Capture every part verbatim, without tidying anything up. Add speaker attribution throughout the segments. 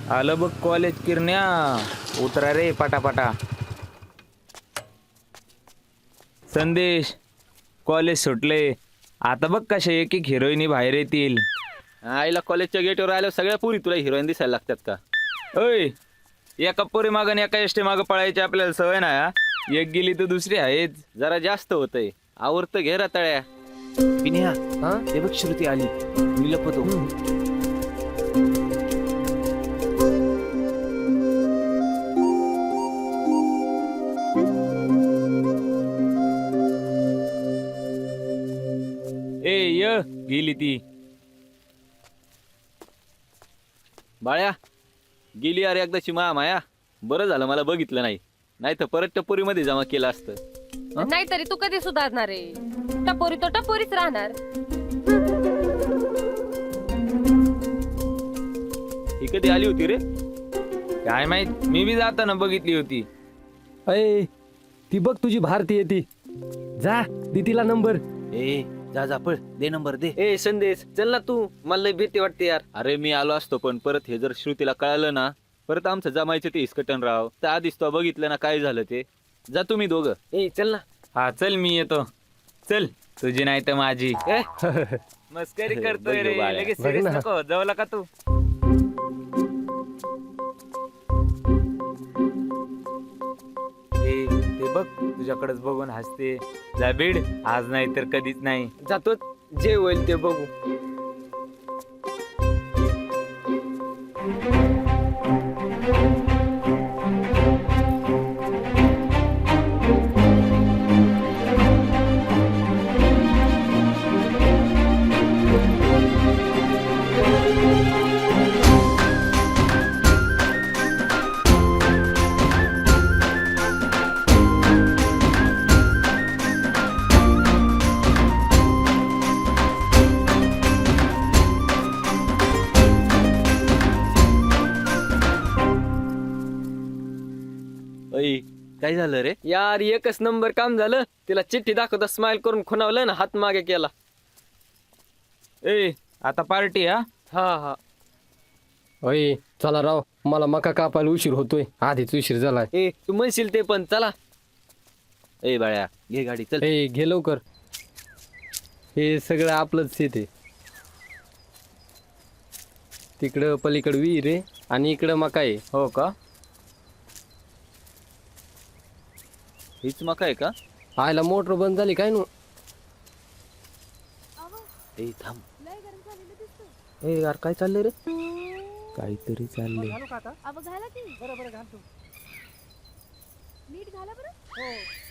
Speaker 1: आलं बघ कॉलेज किरण्या. उतरा रे पटापटा. संदेश, कॉलेज सुटले. आता बघ कशा एक एक हिरोईनी बाहेर येतील.
Speaker 2: आईला कॉलेजच्या गेटवर आल्यावर सगळ्या पुरी तुला हिरोईन दिसायला लागतात का?
Speaker 1: ओय, एका पोरी मागं आणि एका एसटी मागं पळायची आपल्याला सवय नाही हा. एक गेली तर दुसरी आहेच.
Speaker 2: जरा जास्त होतंय. आवरतं घे रताळ्या. पिन्या, ते बघ श्रुती आली. मी लपतो.
Speaker 1: ए य गेली ती.
Speaker 2: बाळ्या, गेली अरे एकदाची माया. बरं झालं मला बघितलं नाही, नाही तर परत टपोरीमध्ये जमा केलं असतं.
Speaker 3: नाहीतरी तू कधी सुधारणार आहे? टपोरी तो टपोरीच राहणार.
Speaker 2: ही कधी आली होती रे?
Speaker 1: काय माहित, मी बी जाताना बघितली होती.
Speaker 4: अय, ती बघ तुझी भारती येते. जा दे तिला नंबर.
Speaker 2: ए जा जा पळ, दे नंबर दे.
Speaker 5: ए संदेश, चल ना तू. मला लय भीती वाटते यार.
Speaker 2: अरे मी आलो असतो, पण परत हे जर श्रुतीला कळालं ना, परत आमचं जमायचं ते हिसकटन राव. तर आधीच तो बघितलं ना काय झालं ते. जा तुम्ही दोघं.
Speaker 5: ए चल ना.
Speaker 1: हा चल मी येतो. चल, तुझी नाही तर माझी.
Speaker 5: ए,
Speaker 1: मस्करी करतोय रे.
Speaker 2: बघ बाळा.
Speaker 1: लगेच
Speaker 4: बघ
Speaker 1: सिरियस
Speaker 4: ना.
Speaker 1: नको जवळ का तू. ए, ते बघ तुझ्याकडेच बघून हसते. जा बीड, आज नाही तर कधीच नाही.
Speaker 5: जातो. जे होईल ते बघू.
Speaker 2: अय काय झालं रे?
Speaker 5: यार एकच नंबर काम झालं. तिला चिठ्ठी दाखवता स्माइल करून खुणावलं ना, हात मागे केला.
Speaker 1: ए, आता पार्टी हा.
Speaker 5: हा हा.
Speaker 4: अय चला राव, मला मका कापायला उशीर होतोय. आधीच उशीर झालाय.
Speaker 5: ए तू म्हणशील ते पण चला.
Speaker 2: ए बाळ्या, घे गाडी चल.
Speaker 4: ए घे लवकर. हे सगळं आपलंच शेत. तिकडं पलीकडं विहीर आहे आणि इकडं मका आहे.
Speaker 1: हो का?
Speaker 2: हीच मका आहे का?
Speaker 4: आयला मोटर बंद झाली काय नु.
Speaker 2: ए थांब.
Speaker 5: ए यार काय चाललंय रे?
Speaker 4: काहीतरी चाललंय.
Speaker 6: अबो घाला की. बरं बरं घालतो. नीट घाला बरं. हो.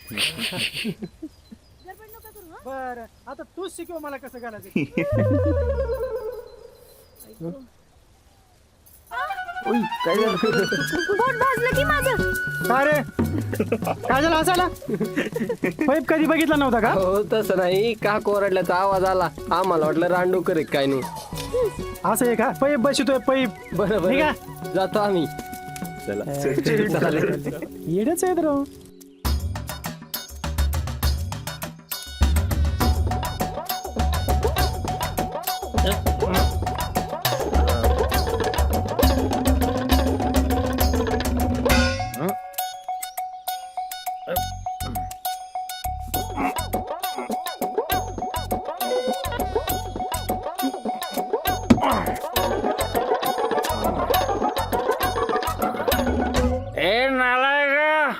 Speaker 6: गडबड नका करू हा.
Speaker 7: बर, आता तूच शिकव मला कसं घालायचं.
Speaker 5: काय झालं?
Speaker 6: पोट भाजलं की माझं.
Speaker 7: काय रे, काय झालं हसायला? पाईप कधी बघितला नव्हता का?
Speaker 4: हो तसं नाही, का कोरडल्याचा आवाज आला. आम्हाला वाटलं रांडोकर आहे काय नाही.
Speaker 7: असं आहे का? पाईप बसतोय पाईप.
Speaker 4: बरं
Speaker 7: ठीक
Speaker 4: बरं,
Speaker 7: आहे.
Speaker 4: जातो आम्ही.
Speaker 7: येडच आहेत राव.
Speaker 1: ए नालाय का.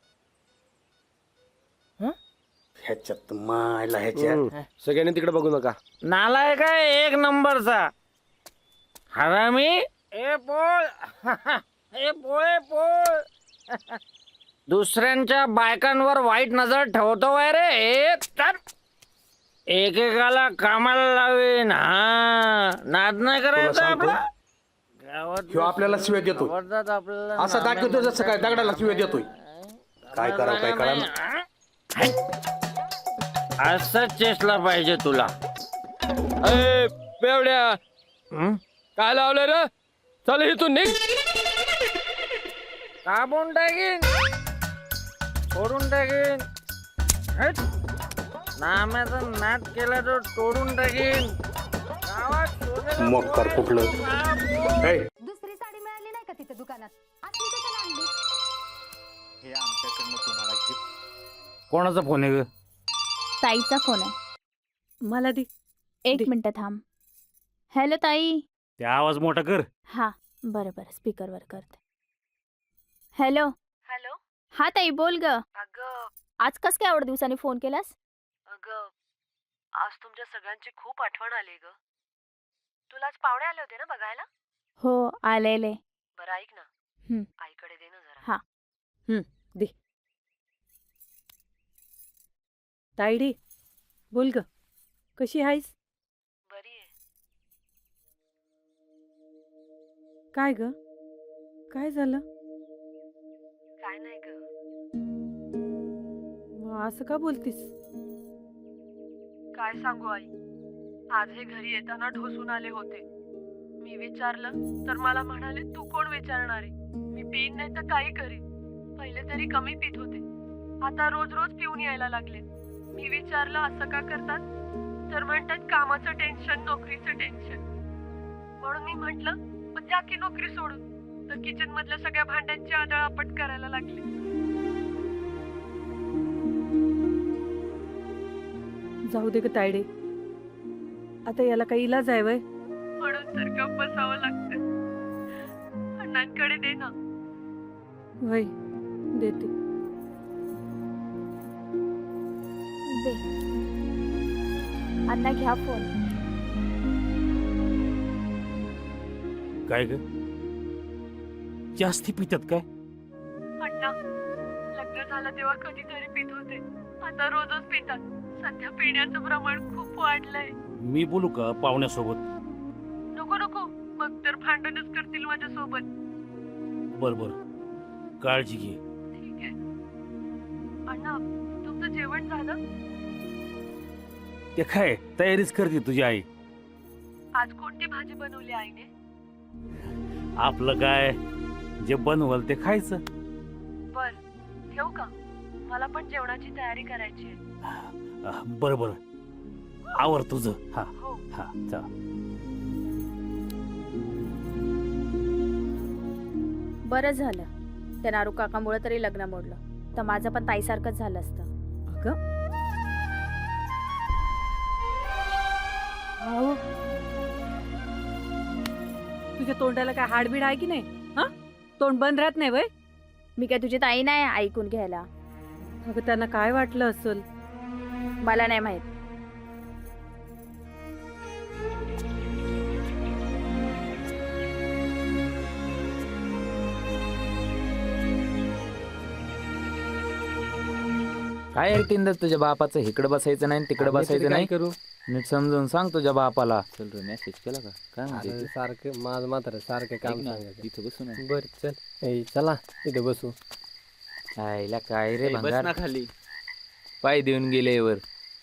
Speaker 8: ह्याच्यात मायला ह्याच्यात
Speaker 4: सगळ्यांनी तिकडे बघू नका.
Speaker 1: नालाय का एक नंबरचा हरामी. ए पोळ. ए पोळे पोळ. दुसऱ्यांच्या बायकांवर वाईट नजर ठेवतो वय रे. ए तर एकेकाला कामाला लावेन. हा नाद नाही करायचा आपला. गावात
Speaker 8: ह्यो आपल्याला शिव्या देतो.
Speaker 1: आवडतात आपल्याला.
Speaker 8: असा दाखवतो जसं काय दगडाला शिव्या देतोय. काय करावं काय करा
Speaker 1: असं चेसला पाहिजे तुला. ए बेवड्या, काय लावलं रे? चल इथून निघ. कापून टाकीन, सोडून टाकीन. हट. नाम्याचा नाद केला तो तोडून टाकीन. गावात
Speaker 8: मग कर कुठलं.
Speaker 6: दुसरी साडी मिळाली नाही का दुकानात असली कशाला आणली?
Speaker 8: हे आमच्याकडनं तुम्हाला गिफ्ट.
Speaker 1: कोणाचा फोन आहे ग?
Speaker 6: ताईचा फोन आहे. मला दे. एक मिनिट थांब. हॅलो ताई.
Speaker 1: ते आवाज मोठा कर.
Speaker 6: हा बरं बरं स्पीकरवर करते. हॅलो. हॅलो. हा ताई बोल ग.
Speaker 9: अगं
Speaker 6: आज कस काय एवढ्या दिवसांनी फोन केलास?
Speaker 9: अगं आज तुमच्या सगळ्यांची खूप आठवण आली ग. तुला आज पाहुणे आले होते ना बघायला?
Speaker 6: हो आलेले.
Speaker 9: बरं ऐक ना,
Speaker 6: हं.
Speaker 9: आईकडे दे ना जरा.
Speaker 6: हा.
Speaker 10: दे. तायडी बोल ग, कशी आहेस?
Speaker 9: बरी आहे.
Speaker 10: काय ग, काय झालं?
Speaker 9: काय नाही ग.
Speaker 10: मग असं का बोलतीस?
Speaker 9: काय सांगू आई, आज हे घरी येताना ढोसून आले होते. मी विचारलं तर मला म्हणाले तू कोण विचारणारे, मी पिईन नाही तर काही करीन. पहिले तरी कमी पित होते, आता रोज रोज पिऊन यायला लागले. मी विचारलं असं का करतात, तर म्हणतात कामाचं टेन्शन, नोकरीचं टेन्शन. म्हणून मी म्हटलं पण जा की नोकरी सोडून. तर किचन मधल्या सगळ्या भांड्यांची आदळआपट करायला लागले.
Speaker 10: जाऊ दे ग तायडे, आता याला काही इलाज आहे वय?
Speaker 9: म्हणून तर गप्प बसावं लागतं. अण्णांकडे दे ना.
Speaker 10: वय देते.
Speaker 6: दे. अण्णा घ्या फोन.
Speaker 1: काय ग, जास्ती पितात काय?
Speaker 9: अण्णा लग्न झालं तेव्हा कधीतरी पित होते, आता रोजच पितात. सध्या पिण्याचं प्रमाण खूप वाढलंय.
Speaker 1: मी बोलू का पाहुण्यासोबत?
Speaker 9: नको नको, मग तर भांडणच करतील माझ्यासोबत.
Speaker 1: बर बर, काळजी घे.
Speaker 9: ठीक आहे. अण्णा तुमचं जेवण झालं?
Speaker 1: ते काय तयारीच करते तुझी आई.
Speaker 9: आज कोणती भाजी बनवली आईने?
Speaker 1: आपलं काय, जे बनवल ते खायचं.
Speaker 9: बर ठेवू का, मला पण जेवणाची तयारी करायची आहे.
Speaker 1: बर बर, आवर तुझं. हा
Speaker 9: हो.
Speaker 1: हा चला.
Speaker 6: बरं झालं त्या नारू काकामुळे तरी लग्न मोडलं, तर माझं पण ताईसारखंच झालं असतं.
Speaker 10: अगं अहो, तुझ्या तोंडाला काय हाडबीड आहे की नाही? हा, तोंड बंद राहत नाही वय?
Speaker 6: मी काय तुझी ताई नाही ऐकून घ्यायला.
Speaker 10: अगं त्यांना काय वाटलं असेल?
Speaker 6: मला नाही माहित.
Speaker 2: काय रे तीनदा तुझ्या बापाचं इकडे बसायचं नाही तिकडे बसायचं नाही.
Speaker 4: करू
Speaker 2: नीट समजून सांग तुझ्या बापाला. चल रे, मेसेज केला का? काय म्हणते
Speaker 4: अरे
Speaker 2: ते?
Speaker 4: सारखं माझं मात्र सारखं काम
Speaker 2: ऐक ना,
Speaker 4: सांगायचं.
Speaker 2: इथं बसू ना.
Speaker 4: बर चल. ए चला इथे बसू.
Speaker 2: आईला काय रे
Speaker 5: ए, बस
Speaker 2: भंगार,
Speaker 5: ना खाली.
Speaker 2: पाय देऊन गेले वर.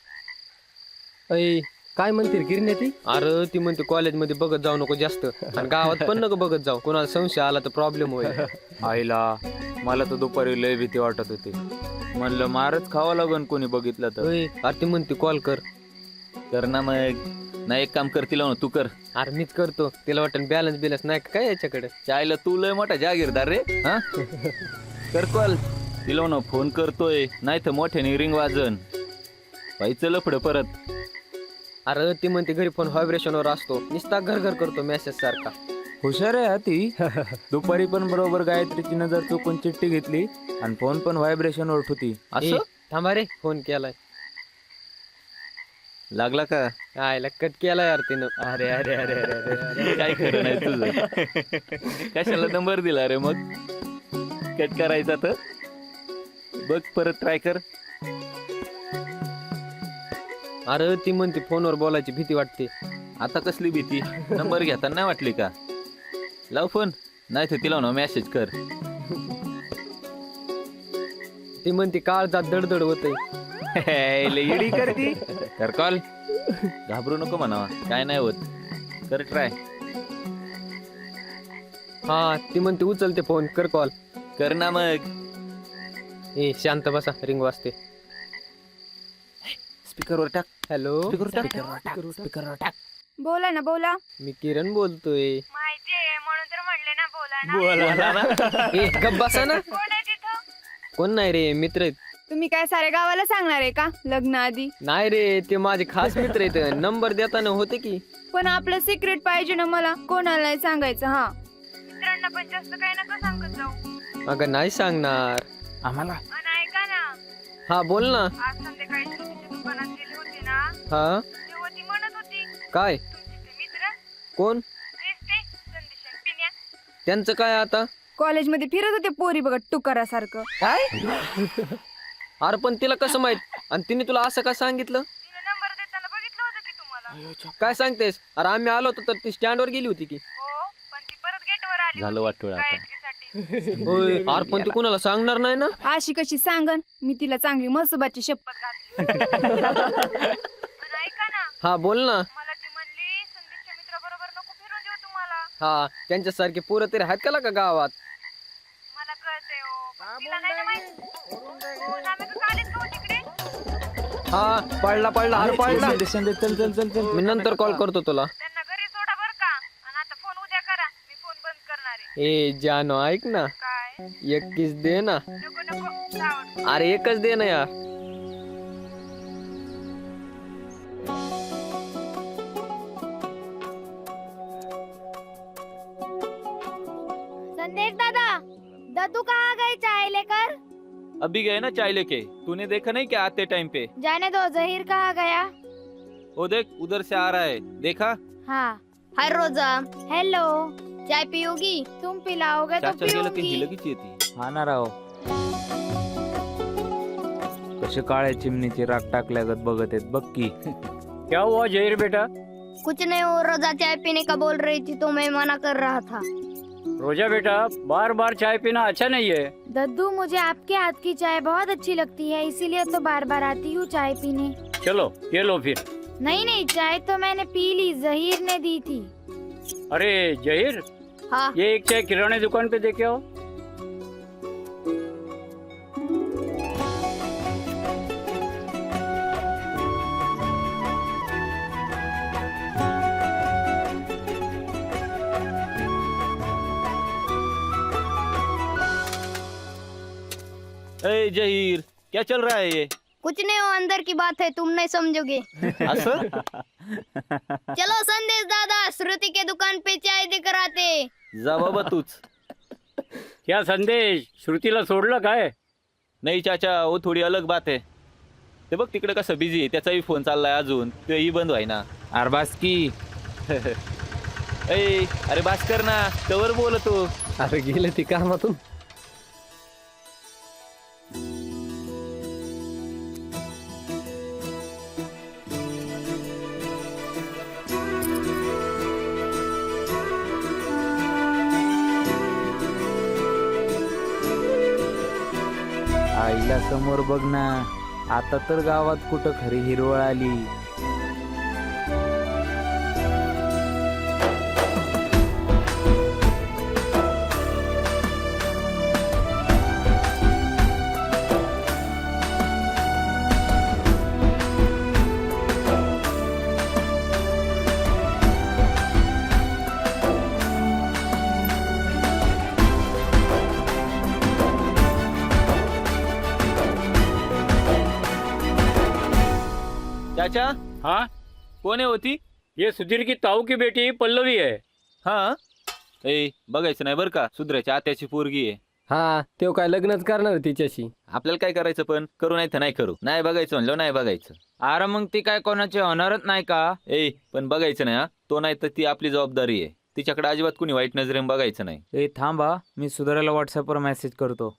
Speaker 4: ऐ काय म्हणते गिरण्या ती?
Speaker 5: अरे ती म्हणते कॉलेजमध्ये बघत जाऊ नको जास्त, आणि गावात पण नको बघत जाऊ, कोणाला संशय आला तर प्रॉब्लेम होईल.
Speaker 2: आईला मला तर दुपारी लय भीती वाटत होती. म्हणलं मारच खावं लागन कोणी बघितलं तर.
Speaker 5: ओय, अरे ती म्हणते कॉल कर.
Speaker 2: कर ना मग. नाही एक काम करतील ना तू कर.
Speaker 5: अरे मीच करतो, तिला वाटतं बॅलन्स बिलन्स नाही का काय याच्याकडे.
Speaker 2: चायला तू लय मोठा जागीरदार रे. हा कर कॉल. तिला ना फोन करतोय, नाही तर मोठ्याने रिंग वाजन. पाहिजे लफड परत.
Speaker 5: अरे ती म्हणते घरी फोन व्हायब्रेशनवर असतो, नुसता घर घर करतो मेसेज सारखा.
Speaker 2: हुशार आहे हा ती. दुपारी पण बरोबर गायत्रीची नजर चुकून चिठ्ठी घेतली आणि फोन पण व्हायब्रेशन वर होती.
Speaker 5: ए,
Speaker 2: असं
Speaker 5: थांबा रे, फोन केलाय.
Speaker 2: लागला का?
Speaker 5: आयला कट केला यार तिनं.
Speaker 2: अरे अरे अरे अरे अरे काय खरं नाही तुझं. कशाला नंबर दिला रे मग? कट करायचा तर बघ, परत ट्राय कर.
Speaker 5: अरे ती म्हणते फोनवर बोलायची भीती वाटते.
Speaker 2: आता कसली भीती? नंबर घेताना नाही वाटली का? लाव फोन, नाही तर तिला ना मेसेज कर.
Speaker 5: ती म्हणते काळजात दडदड होतय.
Speaker 2: इडी करती. कर कॉल. घाबरू नको म्हणावा, काय नाही होत. कर ट्राय.
Speaker 5: हा ती म्हणते उचलते फोन, कर कॉल.
Speaker 2: कर ना मग.
Speaker 5: ए शांत बसा, रिंग वाजते.
Speaker 2: स्पीकरवर टाक.
Speaker 5: हॅलो,
Speaker 6: बोला ना बोला.
Speaker 5: मी किरण बोलतोय.
Speaker 9: माहितीये म्हणून तर म्हणले ना
Speaker 2: बोला ना.
Speaker 5: ए गप बसा ना.
Speaker 9: कोण आहे तिथं?
Speaker 5: कोण नाही रे, मित्र आहेत.
Speaker 6: तुम्ही काय सारे गावाला सांगणार आहे का लग्न आधी?
Speaker 5: नाही रे, ते माझे खास मित्र आहेत. नंबर देताना होते की.
Speaker 6: पण आपलं सिक्रेट पाहिजे ना मला, कोणाला नाही सांगायचं. हा
Speaker 9: मित्रांना पण जास्त काही नका सांगत जाऊ.
Speaker 5: अगं नाही सांगणार.
Speaker 2: आम्हाला
Speaker 9: आणि ऐका ना,
Speaker 5: हा बोल ना.
Speaker 9: आज संध्याकाळी श्रुतीच्या दुकानात गेली होती ना,
Speaker 5: हा
Speaker 9: तेव्हा ती म्हणत होती
Speaker 5: काय?
Speaker 9: तुमचे ते मित्र
Speaker 5: कोण?
Speaker 9: तेच ते संदेश आणि पिन्या.
Speaker 5: त्यांचं काय आता?
Speaker 6: कॉलेजमध्ये फिरत होते पोरी बघत टुकारासारखं.
Speaker 5: काय? अरे पण तिला कसं माहित? आणि तिने तुला असं का सांगितलं?
Speaker 9: तिने नंबर देताना बघितलं होतं की तुम्हाला.
Speaker 5: काय सांगतेस? अरे आम्ही आलो होतो तर ती स्टँडवर गेली होती की.
Speaker 9: हो, पण ती परत गेटवर आली
Speaker 2: झालं वाटोळं आता.
Speaker 9: गायत्रीसाठी.
Speaker 5: होय. अरे पण ती कुणाला सांगणार नाही ना?
Speaker 6: अशी कशी सांगन मी तिला, चांगली मसोबाची शपथ घातली.
Speaker 9: पण ऐका ना,
Speaker 5: हा बोल ना.
Speaker 9: मला ती म्हणली संदेशच्या मित्राबरोबर नको फिरून देऊ तुम्हाला.
Speaker 5: हा त्यांच्यासारखे पोरं तरी आहेत का का गावात?
Speaker 9: मला कळतंय हो, पण तिला नाही ना माहित. हो, आम्ही का काढीत का हो तिकडे?
Speaker 5: हा पडला पडला अरे पडला.
Speaker 2: चल चल चल चल.
Speaker 5: मी नंतर कॉल करतो तुला.
Speaker 9: त्यांना घरी सोडा बर का. आणि आता फोन उद्या करा, मी फोन बंद करणार आहे.
Speaker 5: ए जानो ऐक ना,
Speaker 9: काय?
Speaker 5: एक किस दे ना.
Speaker 9: नको नको जावं.
Speaker 5: अरे एकच दे ना यार.
Speaker 6: संदेश दादा, दादू कहाँ गए चाय लेकर?
Speaker 2: अभी गए ना चाय लेके. तूने देखा नहीं क्या आते टाइम पे?
Speaker 6: जाने दो, जहीर कहाँ गया?
Speaker 2: वो देख उधर से आ रहा है, देखा?
Speaker 6: हाँ. हाय रोजा. हेलो. चाय पियोगी? तुम पिलाओगे तो
Speaker 2: चाचा गेलं ती
Speaker 6: पियूंगी.
Speaker 2: लगेच येते. हा ना राव. कसे काळ्या चिमणीचे राग टाकल्यागत बघत आहेत बघ की.
Speaker 4: क्या हुआ जहीर बेटा?
Speaker 6: कुछ नहीं, वो रोजा चाय पीने का बोल रही थी तो मैं मना कर रहा था.
Speaker 4: रोजा बेटा, बार बार चाय पीना अच्छा नहीं है.
Speaker 6: दद्दू, मुझे आपके हाथ की चाय बहुत अच्छी लगती है, इसीलिए तो बार बार आती हूँ चाय पीने.
Speaker 4: चलो ये लो फिर.
Speaker 6: नहीं नहीं, चाय तो मैंने पी ली, जहीर ने दी थी.
Speaker 4: अरे जहीर,
Speaker 6: हाँ.
Speaker 4: ये एक चाय किराने दुकान पे देके आओ.
Speaker 2: ए जहीर, क्या चल रहा है ये?
Speaker 6: कुछ नहीं, वो अंदर की बात है, तुम नहीं समझोगे.
Speaker 2: असं?
Speaker 6: चलो संदेश दादा, श्रुति के दुकान पे चाय देकर आते.
Speaker 2: जा बाबा तूच.
Speaker 4: क्या संदेश, श्रुतीला सोडलं काय?
Speaker 2: नाही चाचा, वो थोडी अलग बात है. ते बघ तिकडे कसं बिझी आहे, त्याचाही फोन चाललाय अजून, तेही बंद व्हाय ना. अरे बास की. ए अरे बास कर ना, कवर बोलतो.
Speaker 4: अरे गेले ती कामातून.
Speaker 2: आईला समोर बघ ना, आता तर गावात कुठं खरी हिरवळ आली. चाचा
Speaker 4: हाँ,
Speaker 2: कोण आहे होती?
Speaker 4: ये सुधीर की ताऊ की बेटी पल्लवी है.
Speaker 2: हा ए बघायचं नाही बरं का, सुधराच्या आत्याची पोरगी आहे.
Speaker 4: हा, तो काय लग्नच करणार तिच्याशी.
Speaker 2: आपल्याला काय करायचं, पण करू नाही तर नाही करू. नाही बघायचं म्हणलं नाही बघायचं. अरे मग ती काय कोणाची होणारच नाही का? ए पण बघायचं नाही हा, तो नाही तर ती आपली जबाबदारी आहे. तिच्याकडे अजिबात कुणी वाईट नजरेने बघायचं नाही.
Speaker 11: ए थांबा, मी सुधारायला व्हॉट्सअपवर मेसेज करतो.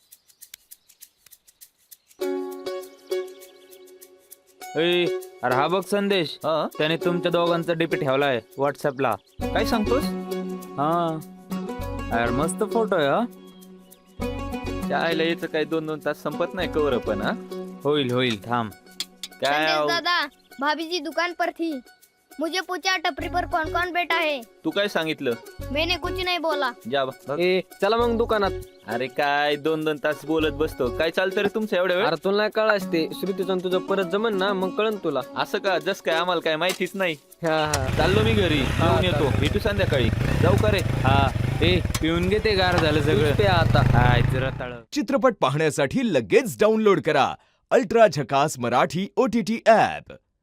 Speaker 11: ए अरे हा बघ संदेश,
Speaker 2: हा
Speaker 11: त्याने तुमच्या दोघांचा डीपी ठेवलाय व्हॉट्सअपला.
Speaker 2: काय सांगतोस?
Speaker 11: हा अरे मस्त फोटो आहे. हा
Speaker 2: चायला याचं काय दोन दोन तास संपत नाही कवर पण. हा
Speaker 11: होईल होईल थांब.
Speaker 2: काय आव-
Speaker 6: दादा, भाभी जी दुकान पर थी, मुझे पूछा टपरी पर कौन कौन बैठा है.
Speaker 2: तू काय सांगितलं?
Speaker 6: मैंने कुछ नहीं बोला.
Speaker 2: जा बा.
Speaker 5: ए चला मग दुकानात.
Speaker 2: अरे काय दोन दोन तास बोलत बसतो, काय चालतं रे तुमचं एवढ्या वेळ?
Speaker 5: अरे तुला नाही कळास ते, श्रुतीचं तुझं परत जमन ना, मग कळन तुला.
Speaker 2: असं का? जस काय आम्हाला काय माहितीच नाही.
Speaker 5: हा हा.
Speaker 2: चाललो मी घरी, येऊन येतो, भेटू संध्याकाळी. जाऊ का रे?
Speaker 11: हा ए पिऊन घे ते गार झालं सगळं
Speaker 5: पे आता
Speaker 11: हाय रताळ
Speaker 12: चित्रपट पाहण्यासाठी लगेच डाउनलोड करा अल्ट्रा झकास Marathi O T T app.